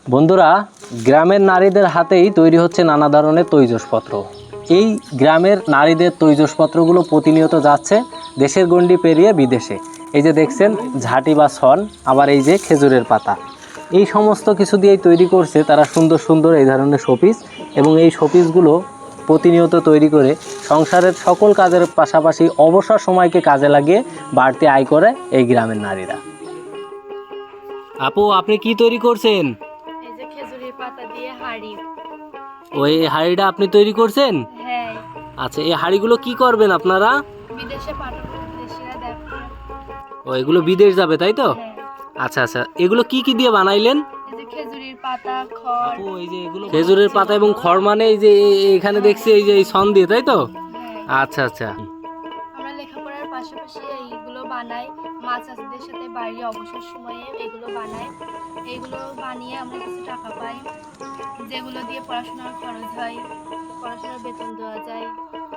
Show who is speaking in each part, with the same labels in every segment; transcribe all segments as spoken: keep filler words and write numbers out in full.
Speaker 1: বন্ধুরা, গ্রামের নারীদের হাতেই তৈরি হচ্ছে নানা ধরনের তৈজসপত্র। এই গ্রামের নারীদের তৈজসপত্রগুলো প্রতিনিয়ত যাচ্ছে দেশের গণ্ডি পেরিয়ে বিদেশে। এই যে দেখছেন ঝাঁটি বা ছন, আবার এই যে খেজুরের পাতা, এই সমস্ত কিছু দিয়েই তৈরি করছে তারা সুন্দর সুন্দর এই ধরনের শোপিস। এবং এই শোপিসগুলো প্রতিনিয়ত তৈরি করে সংসারের সকল কাজের পাশাপাশি অবসর সময়কে কাজে লাগিয়ে বাড়তি আয় করে এই গ্রামের নারীরা। আপু, আপনি কি তৈরি করছেন?
Speaker 2: এই যে খেজুরের পাতা দিয়ে হাড়ি।
Speaker 1: ওই হাড়িটা আপনি তৈরি করছেন?
Speaker 2: হ্যাঁ।
Speaker 1: আচ্ছা, এই হাড়িগুলো কি করবেন আপনারা?
Speaker 2: বিদেশে পাঠাবো, বিদেশিরা দেখবে।
Speaker 1: ও, এগুলো বিদেশ যাবে তাই তো?
Speaker 2: হ্যাঁ।
Speaker 1: আচ্ছা আচ্ছা, এগুলো কি কি দিয়ে বানাইলেন?
Speaker 2: এই যে খেজুরের পাতা, খড়।
Speaker 1: আপু, এই যে এগুলো খেজুরের পাতা এবং খড়, মানে এই যে এখানে দেখছি এই যে এই ছন দিয়ে, তাই তো?
Speaker 2: হ্যাঁ।
Speaker 1: আচ্ছা আচ্ছা।
Speaker 2: আমরা লেখাপড়ার পাশাপাশি এইগুলো বানাই, মা চাচিদের সাথে বাড়ি অবসর সময়ে এগুলো বানাই। এগুলো বানিয়ে আমরা কিছু টাকা পাই, যেগুলো দিয়ে পড়াশোনার খরচ হয়, পড়াশোনার বেতন দেওয়া যায়।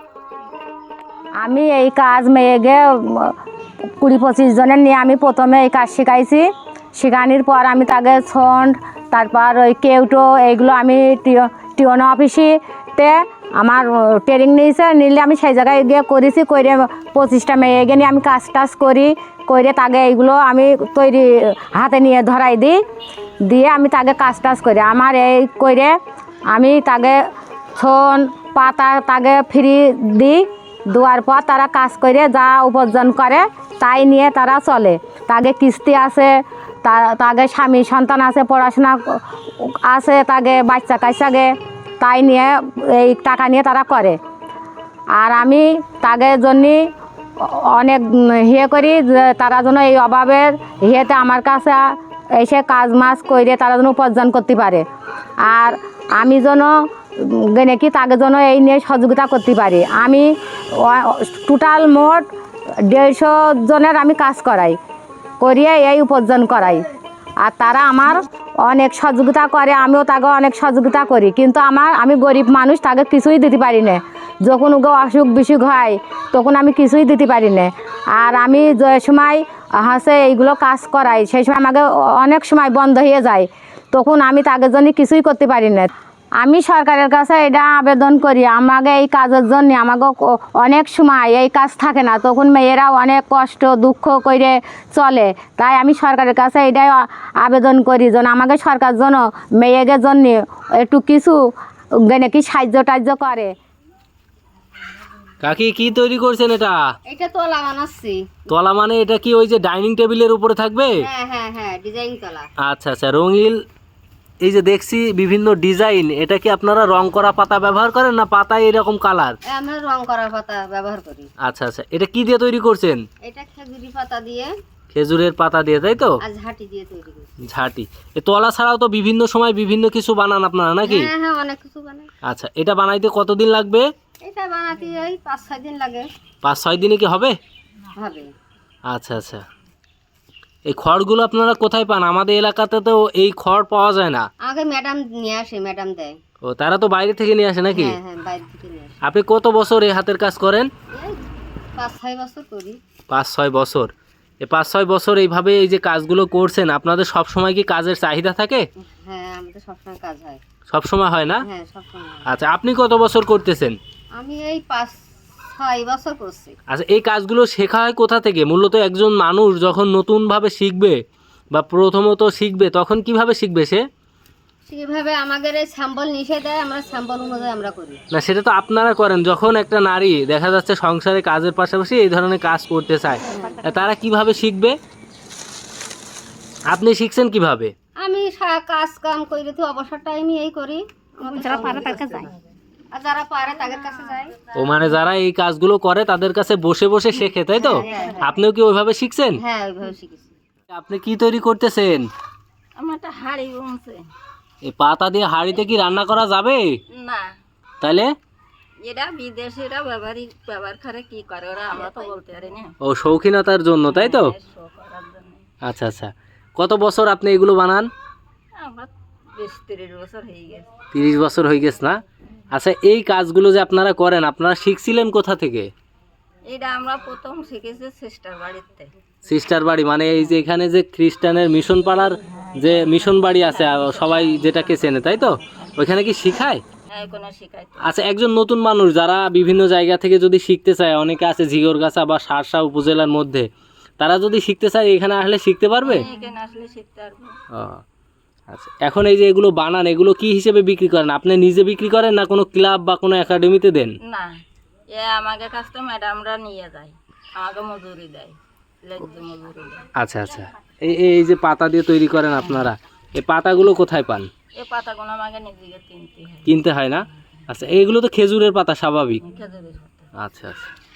Speaker 3: আমি এই কাজ মেয়েকে কুড়ি পঁচিশ জনের নিয়ে আমি প্রথমে এই কাজ শিখাইছি। শেখানোর পর আমি তাকে ছন্ড, তারপর ওই কেউটো, এইগুলো আমি টিওনো অফিসেতে আমার ট্রেনিং নিয়েছে, নিলে আমি সেই জায়গায় গিয়ে করেছি। করে পঁচিশটা মেয়েকে নিয়ে আমি কাজ টাজ করি, করে তাকে এইগুলো আমি তৈরি হাতে নিয়ে ধরাই দিই, দিয়ে আমি তাকে কাজ টাজ করি। আমার এই করে আমি তাকে ছন পাতা তাকে ফ্রি দিই। দেওয়ার পর তারা কাজ করে যা উপার্জন করে তাই নিয়ে তারা চলে। তাকে কিস্তি আছে, তাকে স্বামী সন্তান আছে, পড়াশোনা আছে, তাকে বাচ্চা কাচ্চাকে তাই নিয়ে এই টাকা নিয়ে তারা করে। আর আমি তাদের জন্য অনেক ইয়ে করি যে তারা যেন এই অভাবের ইয়েতে আমার কাছে এসে কাজ মাছ করে তারা যেন উপার্জন করতে পারে। আর আমি যেন নাকি তাকে যেন এই নিয়ে সহযোগিতা করতে পারি। আমি টোটাল মোট দেড়শো জনের আমি কাজ করাই, করিয়ে এই উপার্জন করাই। আর তারা আমার অনেক সহযোগিতা করে, আমিও তাকে অনেক সহযোগিতা করি। কিন্তু আমার আমি গরিব মানুষ, তাকে কিছুই দিতে পারি না। যখন ওকে অসুখ বিসুখ হয় তখন আমি কিছুই দিতে পারি না। আর আমি যে সময় হাসে এইগুলো কাজ করাই সেই সময় আমাকে অনেক সময় বন্ধ হয়ে যায়, তখন আমি তাদের জন্য কিছুই করতে পারি না। আমি সরকারের কাছে এটা আবেদন করি, আমাকে এই কাজের জন্য আমাকে অনেক সময় এই কাজ থাকে না, তখন মেয়েরা অনেক কষ্ট দুঃখ করে চলে। তাই আমি সরকারের কাছে এটাই আবেদন করি যেন আমাকে সরকার যেন মেয়েদের জন্য একটু কিছু নাকি সাহায্য টাহ্য করে।
Speaker 1: কাকি, কি তৈরি করছেন এটা?
Speaker 4: এটা তলা বানাচ্ছি।
Speaker 1: তলা মানে এটা কি ওই যে ডাইনিং টেবিলের উপরে থাকবে?
Speaker 4: হ্যাঁ হ্যাঁ হ্যাঁ, ডিজাইন তলা।
Speaker 1: আচ্ছা আচ্ছা, রঙিন। এই যে দেখছি বিভিন্ন ডিজাইন, এটা কি আপনারা রং করা পাতা ব্যবহার করেন না পাতায় এরকম কালার?
Speaker 4: আমরা রং করা পাতা ব্যবহার করি।
Speaker 1: আচ্ছা আচ্ছা, এটা কি দিয়ে তৈরি করছেন?
Speaker 4: এটা খেজুরি পাতা দিয়ে।
Speaker 1: খেজুরের পাতা দিয়ে, তাই তো?
Speaker 4: আর ঝাঁটি দিয়ে তৈরি করি।
Speaker 1: ঝাঁটি। এই তলা ছাড়াও তো বিভিন্ন সময় বিভিন্ন কিছু বানান আপনারা নাকি?
Speaker 4: হ্যাঁ হ্যাঁ, অনেক কিছু বানাই।
Speaker 1: আচ্ছা, এটা বানাইতে কতদিন লাগবে?
Speaker 4: এটা বানাতে ওই পাঁচ ছয় দিন লাগে।
Speaker 1: পাঁচ ছয় দিনে কি হবে?
Speaker 4: হবে।
Speaker 1: আচ্ছা আচ্ছা, এই খড়গুলো আপনারা কোথায় পান? আমাদের এলাকাতে তো এই খড় পাওয়া যায় না।
Speaker 4: আগে ম্যাডাম নিয়ে আসে, ম্যাডাম দেয়।
Speaker 1: ও, তারা তো বাইরে থেকে নিয়ে আসে নাকি?
Speaker 4: হ্যাঁ হ্যাঁ, বাইরে থেকে নিয়ে আসে।
Speaker 1: আপনি কত বছর এই হাতের কাজ করেন?
Speaker 4: এই পাঁচ ছয় বছর করি।
Speaker 1: পাঁচ ছয় বছর। এই পাঁচ ছয় বছর এইভাবে এই যে কাজগুলো করছেন, আপনাদের সব সময় কি কাজের চাহিদা থাকে?
Speaker 4: হ্যাঁ, আমাদের সবসময় কাজ হয়।
Speaker 1: সব সময় হয় না?
Speaker 4: হ্যাঁ, সবসময় হয়।
Speaker 1: আচ্ছা, আপনি কত বছর করতেছেন?
Speaker 4: আমি এই পাঁচ ছয় বছর করছি।
Speaker 1: আচ্ছা, এই কাজগুলো শেখা হয় কোথা থেকে? মূলত একজন মানুষ যখন নতুনভাবে শিখবে বা প্রথমত শিখবে তখন কিভাবে শিখবে সে?
Speaker 4: সেভাবে আমাদের এই স্যাম্পল নিষে দেয়, আমরা স্যাম্পল অনুযায়ী আমরা করি।
Speaker 1: না, সেটা তো আপনারা করেন। যখন একটা নারী দেখা যাচ্ছে সংসারে কাজের পাশাপাশি এই ধরনের কাজ করতে চায়, তারা কিভাবে শিখবে? আপনি শিখছেন কিভাবে?
Speaker 4: আমি সা- কাজ কাম করি তো অবসর টাইমে এই করি।
Speaker 3: যারা পারে তার কাছে যায়।
Speaker 4: আর যারা পারে তাদের কাছে যায়।
Speaker 1: ও, মানে যারা এই কাজগুলো করে তাদের কাছে বসে বসে শেখে, তাই তো? আপনিও কি ওইভাবে শিখছেন?
Speaker 4: হ্যাঁ, ওইভাবে শিখেছি।
Speaker 1: আপনি কি তৈরি করতেছেন?
Speaker 2: আমার একটা হাড়ি বলছে।
Speaker 1: এই পাতা দিয়ে হাঁড়িতে কি রান্না করা যাবে?
Speaker 2: না,
Speaker 1: তাহলে
Speaker 2: এরা বিদেশিরা ব্যবহারই ব্যবহার করে, কি করে ওরা আমরা তো বলতে পারি না।
Speaker 1: ও, শৌখিনতার জন্য, তাই তো?
Speaker 2: শো করার জন্য।
Speaker 1: আচ্ছা আচ্ছা, কত বছর আপনি এগুলো বানান?
Speaker 2: আমরা বেশ তিরিশ বছর হয়ে গেছে।
Speaker 1: তিরিশ বছর হয়ে গেছে না? আচ্ছা, এই কাজগুলো যে আপনারা করেন, আপনারা শিখছিলেন কোথা থেকে?
Speaker 2: এটা আমরা প্রথম শিখেছি সিস্টার বাড়িতে।
Speaker 1: সিস্টার বাড়ি মানে এই যে এখানে যে খ্রিস্টানের মিশন পাড়ার যে মিশন বাড়ি আছে আহ, সবাই যেটাকে চেনে তাই তো, ওইখানে কি শিখায়?
Speaker 4: হ্যাঁ কোনো শিখাইতো
Speaker 1: আচ্ছা, একজন নতুন মানুষ যারা বিভিন্ন জায়গা থেকে যদি শিখতে চায়, অনেকে আছে ঝিগরগাছা বা সারসা উপজেলার মধ্যে, তারা যদি শিখতে চায় এখানে আসলে শিখতে পারবে?
Speaker 4: এখানে আসলে শিখতে পারবো।
Speaker 1: ও আচ্ছা, এখন এই যে এগুলো বানান, এগুলো কি হিসেবে বিক্রি করেন? আপনি নিজে বিক্রি করেন না কোনো ক্লাব বা কোনো একাডেমিতে দেন?
Speaker 4: না, এ আমাকে কাছ থেকে ম্যাডামরা নিয়ে যায়, আমাকে মজুরি দেয়, লেজ্জ মজুরি দেয়।
Speaker 1: আচ্ছা আচ্ছা, এই এই যে পাতা দিয়ে তৈরি করেন আপনারা, এই পাতাগুলো কোথায় পান?
Speaker 4: এই পাতাগুলো আমাকে নিজেকে কিনতে হয়,
Speaker 1: কিনতে হয় না? আচ্ছা, এইগুলো তো খেজুরের পাতা স্বাভাবিক।
Speaker 4: খেজুরের পাতা।
Speaker 1: আচ্ছা আচ্ছা।